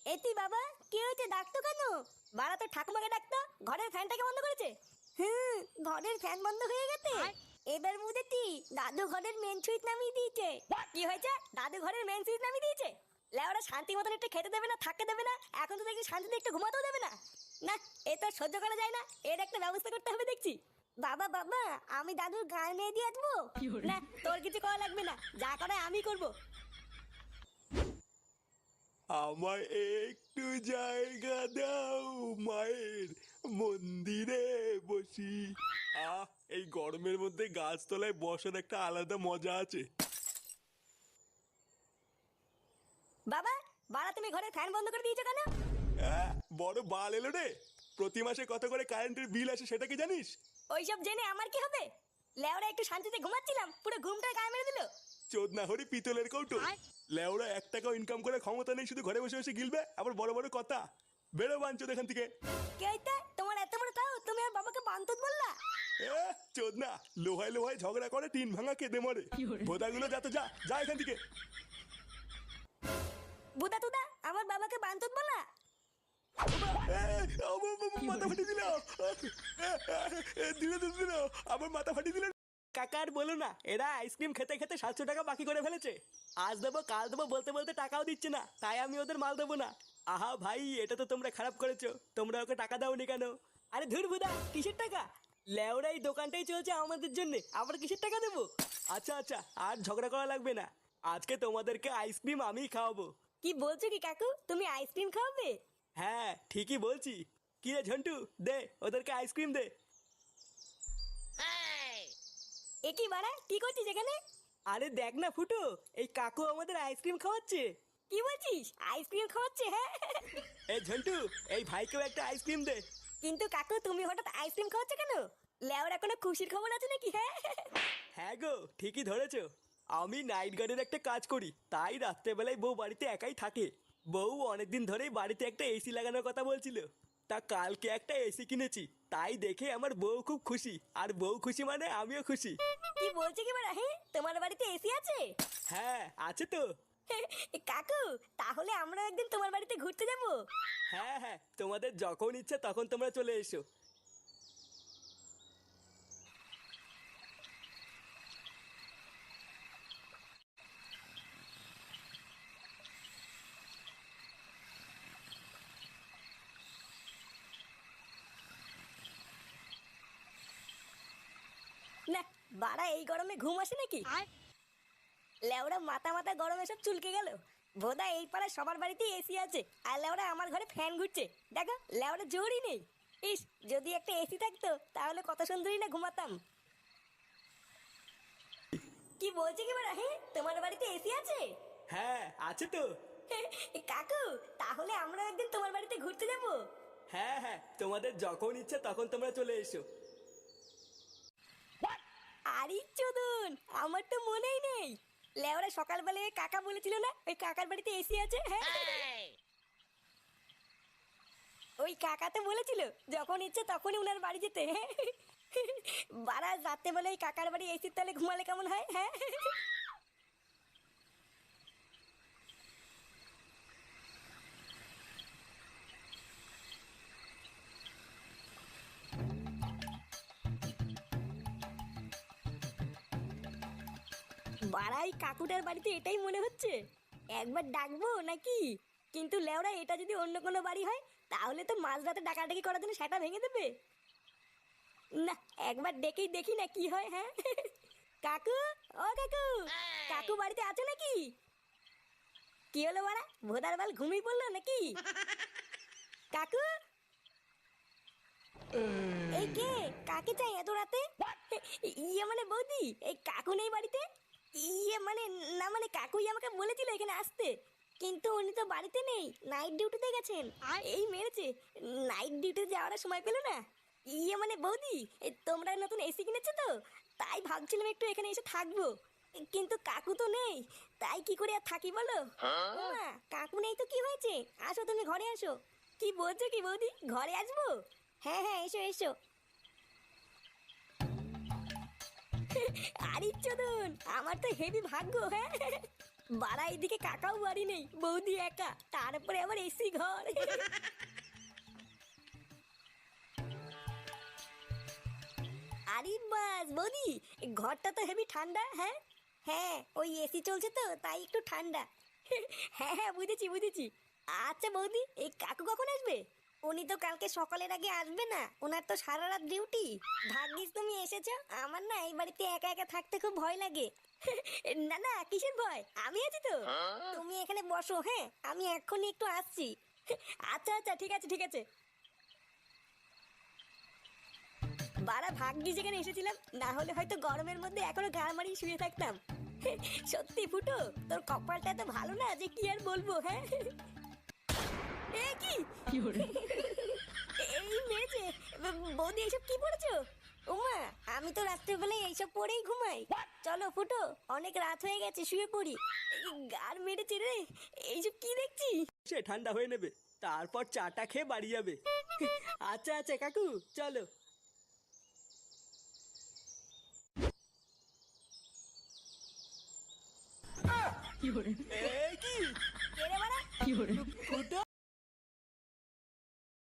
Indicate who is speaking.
Speaker 1: এতি বাবা, কি হয়েছে? ডাকতো কেন? বাড়া তো ঠাকুমাকে ডাকতো, ঘরের ফ্যানটাকে বন্ধ করেছে। ঘরের ফ্যান বন্ধ হয়ে গেছে। এবার বুঝেছি, দাদু ঘরের মেন সুইচ নামিয়ে দিয়েছে। কি হয়েছে? দাদু ঘরের মেন সুইচ নামিয়ে দিয়েছে? লেওরা শান্তি মতন একটু খেতে দেবে না, থাকতে দেবে না, এখন তো দেখি শান্তিতে একটু ঘুমাতেও দেবে না। না, এ তো সহ্য করা যায় না, এর একটা ব্যবস্থা করতে হবে দেখছি। বাবা বাবা, আমি দাদুর গায়ে নিয়ে দিয়ে আসবো। না, তোর কিছু করা লাগবে না, যা করে আমি করবো।
Speaker 2: আমায় একটু জায়গা দাও, মায়ের মন্দিরে বসি। আহ, এই গরমের মধ্যে গাছতলায় বসার একটা আলাদা মজা আছে।
Speaker 1: বাবা, বাড়া তুমি ঘরে ফ্যান বন্ধ করে দিয়েছো কেন?
Speaker 2: আহ, বড় বাল এলো রে। প্রতি মাসে কত করে কারেন্টের বিল আসে সেটা কি জানিস?
Speaker 1: ওইসব জেনে আমার কি হবে? লেওরা একটু শান্তিতে ঘুমাচ্ছিলাম, পুরো ঘুমটা গায়ে মেরে দিল।
Speaker 2: চোদ না হরি পিতলের কৌটো। লেওরা 1 টাকাও ইনকাম করে ক্ষমতা নেই, শুধু ঘরে বসে বসে গিলবে, আবার বড় বড় কথা। বেরো বাঞ্চোদ এখান থেকে।
Speaker 1: কে এটা? তোমার এত বড় তাও তুমি আর বাবাকে বান্তুত বললা?
Speaker 2: চোদ না, লোহায় লোহায় ঝগড়া করে টিন ভাঙা কেঁদে মরে। ভোদাগুলো যা তো যা যা এখান থেকে।
Speaker 1: বুদা তুদা, আমার বাবাকে বান্তুত বলা?
Speaker 2: মাথা ফাটিয়ে দিল, দিল আমার মাথা ফাটিয়ে দিল। কাকার বলো না, এরা আইসক্রিম খেতে খেতে 700 টাকা বাকি করে ফেলেছে। আজ দেবো কাল দেবো বলতে বলতে টাকাও দিচ্ছে না, তাই আমি ওদের মাল দেবো না। আহা ভাই, এটা তো তোমরা খারাপ করেছো, তোমরা ওকে টাকা দাওনি কেন? আরে ধুর বুদা, কিসের টাকা? লেওরা এই দোকানটাই চলছে আমাদের জন্য, আবার কিসের টাকা দেবো? আচ্ছা আচ্ছা, আর ঝগড়া করা লাগবে না, আজকে তোমাদেরকে আইসক্রিম আমিই খাওয়াবো।
Speaker 1: কি বলছো কি কাকু, তুমি আইসক্রিম খাওয়াবে?
Speaker 2: হ্যাঁ ঠিকই বলছি। কি রে ঝন্টু, দে ওদেরকে আইসক্রিম দে।
Speaker 1: এ কি বাড়া, কি করছিস এখানে?
Speaker 2: আরে দেখ না ফুটো, এই কাকু আমাদের আইসক্রিম খাওয়াচ্ছে।
Speaker 1: কি বলছিস? আইসক্রিম খাওয়াচ্ছে? হ্যাঁ।
Speaker 2: এই ঝন্টু, এই ভাইকেও একটা আইসক্রিম দে।
Speaker 1: কিন্তু কাকু, তুমি হঠাৎ আইসক্রিম খাওয়াচ্ছে কেন? লেওরা কোনো খুশির খবর আছে নাকি? হ্যাঁ।
Speaker 2: হ্যাঁ গো, ঠিকই ধরেছো। আমি নাইট গার্ডের একটা কাজ করি, তাই রাত্রেবেলায় বউ বাড়িতে একাই থাকে। বউ অনেকদিন ধরেই বাড়িতে একটা এসি লাগানোর কথা বলছিল। তা কালকে একটা এসি কিনেছি, তাই দেখে আমার বউ খুব খুশি, আর বউ খুশি মানে আমিও খুশি।
Speaker 1: কি বলছে কি বাড়া? হ্যাঁ, তোমার বাড়িতে এসি আছে?
Speaker 2: হ্যাঁ আছে তো।
Speaker 1: কাকু, তাহলে আমরা একদিন তোমার বাড়িতে ঘুরতে যাব।
Speaker 2: হ্যাঁ হ্যাঁ, তোমাদের যখন ইচ্ছা তখন তোমরা চলে এসো।
Speaker 1: না, বাড়া এই গরমে ঘুম আসে নাকি? লেওরা মাথা মাথা গরমে সব চুলকে গেল। বোধা এই পাড়ায় সবার বাড়িতেই এসি আছে, আর লেওরা আমার ঘরে ফ্যান ঘুরছে। দেখো, লেওরা জোরই নেই। ইস, যদি একটা এসি থাকতো তাহলে কত সুন্দরই না ঘুমাতাম। কি বলছে কি বাড়া? হ্যাঁ, তোমার বাড়িতে এসি আছে?
Speaker 2: হ্যাঁ আছে তো।
Speaker 1: কাকু, তাহলে আমরা একদিন তোমার বাড়িতে ঘুরতে যাব।
Speaker 2: হ্যাঁ হ্যাঁ, তোমাদের যখন ইচ্ছা তখন তোমরা চলে এসো।
Speaker 1: আরে চোদন, আমার তো মনেই নেই। লেওরা সকালবেলা ওই কাকা বলেছিল না ওই কাকার বাড়িতে এসি আছে? হ্যাঁ, ওই কাকা তো বলেছিল যখন ইচ্ছে তখনই উনার বাড়ি যেতে। বারা রাতে বলে ওই কাকার বাড়ি এসির তলে ঘুমালে কেমন হয়? হ্যাঁ। বাড়াই কাকুটার বাড়িতে এটাই মনে হচ্ছে। একবার ডাকবো নাকি? কিন্তু লেওরা, এটা যদি অন্য কোনো বাড়ি হয় তাহলে তো মাঝরাতে ডাকাডাকি করার জন্য সেটা ভেঙে দেবে। না, একবার ডেকেই দেখি না কি হয়। হ্যাঁ। কাকু, ও কাকু, কাকু বাড়িতে আছো নাকি? কি হলো বাড়া, ভোদার বাল ঘুমিয়ে পড়লো নাকি? কাকু, এই কে? কাকে চাই এত রাতে? ইয়ে মানে বৌদি, এই কাকু নেই বাড়িতে? ইয়ে মানে, না মানে কাকুই আমাকে বলেছিল এখানে আসতে, কিন্তু উনি তো বাড়িতে নেই, নাইট ডিউটিতে গেছেন। এই মেরেছে, নাইট ডিউটিতে যাওয়ার সময় পেলো না। ইয়ে মানে বৌদি, তোমরা নতুন এসি কিনেছো তো, তাই ভাবছিলাম একটু এখানে এসে থাকবো, কিন্তু কাকু তো নেই, তাই কি করে আর থাকি বলো? মা, কাকু নেই তো কি হয়েছে, আসো তুমি ঘরে আসো। কি বলছো কি বৌদি, ঘরে আসবো? হ্যাঁ হ্যাঁ, এসো এসো। আরে চোদন, আমার তো হেভি ভাগ্য। হ্যাঁ, বাড়া এইদিকে কাকাও বাড়ি নেই, বৌদি একা, তারপরে আবার এসি ঘর। আরে বাস বৌদি, ঘরটা তো হেভি ঠান্ডা। হ্যাঁ হ্যাঁ, ওই এসি চলছে তো তাই একটু ঠান্ডা। হ্যাঁ হ্যাঁ, বুঝেছি বুঝেছি। আচ্ছা বৌদি, এই কাকু কখন আসবে? উনি তো কালকে সকালের আগে আসবে না, ওনার তো সারা রাত ডিউটি। ভাগ্যিস তুমি এসেছো, আমার না এই বাড়িতে একা একা থাকতে খুব ভয় লাগে। না না, কিসের ভয়, আমি আছি তো। তুমি এখানে বসো, হ্যাঁ আমি এক্ষুনি একটু আসছি। আচ্ছা আচ্ছা, ঠিক আছে ঠিক আছে। বাড়া ভাগ্যি যেখানে এসেছিলাম, না হলে হয়তো গরমের মধ্যে এখনো গা মারিয়ে শুয়ে থাকতাম। সত্যি ফুটো, তোর কপালটা এত ভালো না যে কি আর বলবো। হ্যাঁ এ কি এই মেরেছে। বৌদি এইসব কি পড়েছো? ওমা, আমি তো রাত্রেবেলায় এইসব পরেই ঘুমাই। চলো ফুটো, অনেক রাত হয়ে গেছে, শুয়ে পড়ি। গার মেরেছে রে, এইসব কি দেখছি।
Speaker 2: সে ঠান্ডা হয়ে নেবে, তারপর চাটা খেয়ে বাড়ি যাবে। আচ্ছা আচ্ছা কাকু, চলো। এ কি
Speaker 1: কে রে বাড়া?
Speaker 2: ফুটো?